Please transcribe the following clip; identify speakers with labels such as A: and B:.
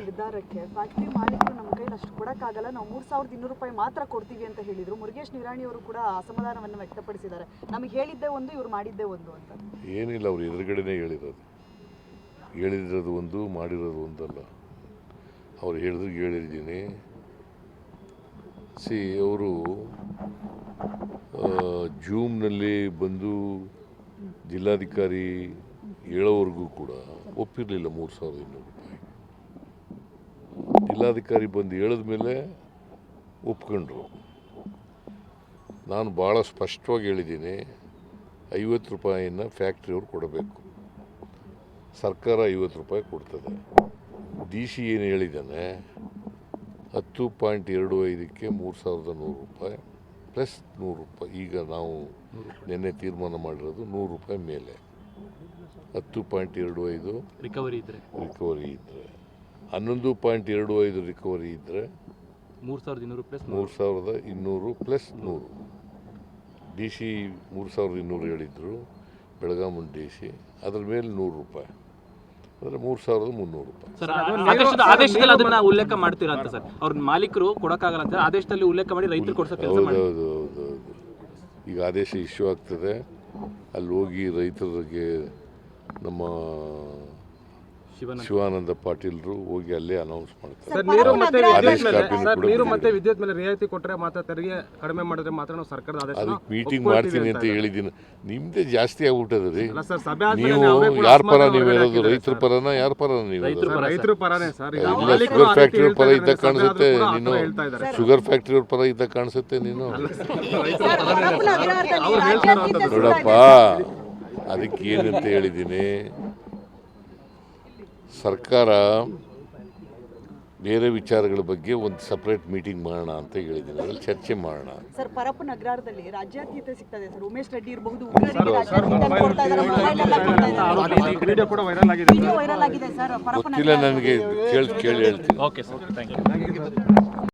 A: ನಿರ್ಧಾರಕ್ಕೆ ಫ್ಯಾಕ್ಟರಿ ಮಾಲೀಕರು ನಮ್ಮ ಕೈಲಿ ಅಷ್ಟು ಕೊಡೋಕ್ಕಾಗಲ್ಲ, ನಾವು 3,200 ರೂಪಾಯಿ ಮಾತ್ರ ಕೊಡ್ತೀವಿ ಅಂತ ಹೇಳಿದರು. ಮುರುಗೇಶ್ ನಿರಾಣಿ ಅವರು ಕೂಡ ಅಸಮಾಧಾನವನ್ನು ವ್ಯಕ್ತಪಡಿಸಿದ್ದಾರೆ. ನಮಗೆ ಹೇಳಿದ್ದೇ ಒಂದು, ಇವ್ರು ಮಾಡಿದ್ದೇ ಒಂದು ಅಂತ.
B: ಏನಿಲ್ಲ, ಅವ್ರು ಎದುರುಗಡೆನೇ ಹೇಳಿರೋದು ಒಂದು, ಮಾಡಿರೋದು ಒಂದಲ್ಲ. ಅವ್ರು ಹೇಳಿದ್ದೀನಿ. ಅವರು ಜೂಮ್ನಲ್ಲಿ ಬಂದು ಜಿಲ್ಲಾಧಿಕಾರಿ ಹೇಳೋವರೆಗೂ ಕೂಡ ಒಪ್ಪಿರಲಿಲ್ಲ 3,200 ರೂಪಾಯಿ. ಜಿಲ್ಲಾಧಿಕಾರಿ ಬಂದು ಹೇಳಿದ ಮೇಲೆ ಒಪ್ಕೊಂಡ್ರು. ನಾನು ಭಾಳ ಸ್ಪಷ್ಟವಾಗಿ ಹೇಳಿದ್ದೀನಿ, 50 ರೂಪಾಯಿನ ಫ್ಯಾಕ್ಟ್ರಿಯವ್ರು ಕೊಡಬೇಕು, ಸರ್ಕಾರ 50 ರೂಪಾಯಿ ಕೊಡ್ತದೆ. ಡಿ ಸಿ ಏನು ಹೇಳಿದ್ದಾನೆ, 10.25ಕ್ಕೆ 3,100 ರೂಪಾಯಿ ಪ್ಲಸ್ 100 ರೂಪಾಯಿ. ಈಗ ನಾವು ನಿನ್ನೆ ತೀರ್ಮಾನ ಮಾಡಿರೋದು 100 ರೂಪಾಯಿ ಮೇಲೆ 10.25 ರಿಕವರಿ ಇದ್ದರೆ 11.25 ರಿಕವರಿ ಇದ್ದರೆ 3,200 ಪ್ಲಸ್ 100. ಡಿ ಸಿ 3,200 ಹೇಳಿದ್ರು, ಬೆಳಗಾವಿ ಡಿ ಸಿ. ಅದ್ರ ಮೇಲೆ 100 ರೂಪಾಯಿ ಅಂದರೆ 3,300 ರೂಪಾಯಿ.
C: ಆದೇಶದಲ್ಲಿ ಅದನ್ನ ಉಲ್ಲೇಖ ಮಾಡ್ತೀರಾ ಅಂತ ಸರ್? ಅವ್ರ ಮಾಲೀಕರು ಕೊಡೋಕ್ಕಾಗಲ್ಲ ಅಂತ ಆದೇಶದಲ್ಲಿ ಉಲ್ಲೇಖ ಮಾಡಿ ರೈತರು ಕೊಡಿಸೋ ಕೆಲಸ ಮಾಡಿ.
B: ಹೌದು. ಈಗ ಆದೇಶ ಇಶ್ಯೂ ಆಗ್ತದೆ, ಅಲ್ಲಿ ಹೋಗಿ ರೈತರಿಗೆ ನಮ್ಮ ಶಿವಾನಂದ ಪಾಟೀಲ್ರು ಹೋಗಿ ಅಲ್ಲೇ ಅನೌನ್ಸ್ ಮಾಡ್ತಾರೆ.
D: ನೀರು ಮತ್ತೆ ವಿದ್ಯುತ್ ಮೇಲೆ ರಿಯಾಯಿತಿ ಕೊಟ್ಟರೆ ಮಾತ್ರ, ತೆರಿಗೆ ಕಡಿಮೆ ಮಾಡಿದ್ರೆ ಮಾತ್ರ ನಾವು ಸರ್ಕಾರದ ಆದೇಶ
B: ಅದಕ್ಕೆ ಮೀಟಿಂಗ್ ಮಾಡ್ತೀನಿ ಅಂತ ಹೇಳಿದ್ದೀನಿ. ನಿಮ್ದೇ ಜಾಸ್ತಿ ಆಗ್ಬಿಟ್ಟದ ರೀ.
D: ನೀವು
B: ಯಾರ ಪರ ನೀವು ಹೇಳೋದು? ರೈತರ ಪರನ ಯಾರ ಪರ ನೀವು?
D: ರೈತರ ಪರನೇ ಸರ್.
B: ಶುಗರ್ ಫ್ಯಾಕ್ಟ್ರಿ ಅವ್ರ ಪರ ಇದ್ದ ಕಾಣಿಸುತ್ತೆ ನೀನು. ಶುಗರ್ ಫ್ಯಾಕ್ಟ್ರಿ ಅವ್ರ ಪರ ಇದ್ದ ಕಾಣಿಸುತ್ತೆ ನೀನು. ನೋಡಪ್ಪ, ಅದಕ್ಕೆ ಏನಂತ ಹೇಳಿದ್ದೀನಿ, ಸರ್ಕಾರ ಬೇರೆ ವಿಚಾರಗಳ ಬಗ್ಗೆ ಒಂದು ಸಪ್ರೇಟ್ ಮೀಟಿಂಗ್ ಮಾಡೋಣ ಅಂತ ಹೇಳಿದ್ದೀನಿ. ಅದ್ರಲ್ಲಿ ಚರ್ಚೆ ಮಾಡೋಣ.
A: ಸರ್, ಪರಪ್ಪನ ಅಗ್ರಹಾರದಲ್ಲಿ ರಾಜ್ಯಾತೀತ ಸಿಗ್ತದೆ ಸರ್. ಉಮೇಶ್ ರೆಡ್ಡಿ ಇರಬಹುದು,
B: ಗೊತ್ತಿಲ್ಲ ನನಗೆ, ಕೇಳಿ ಹೇಳ್ತೀನಿ.
C: Okay sir, thank you.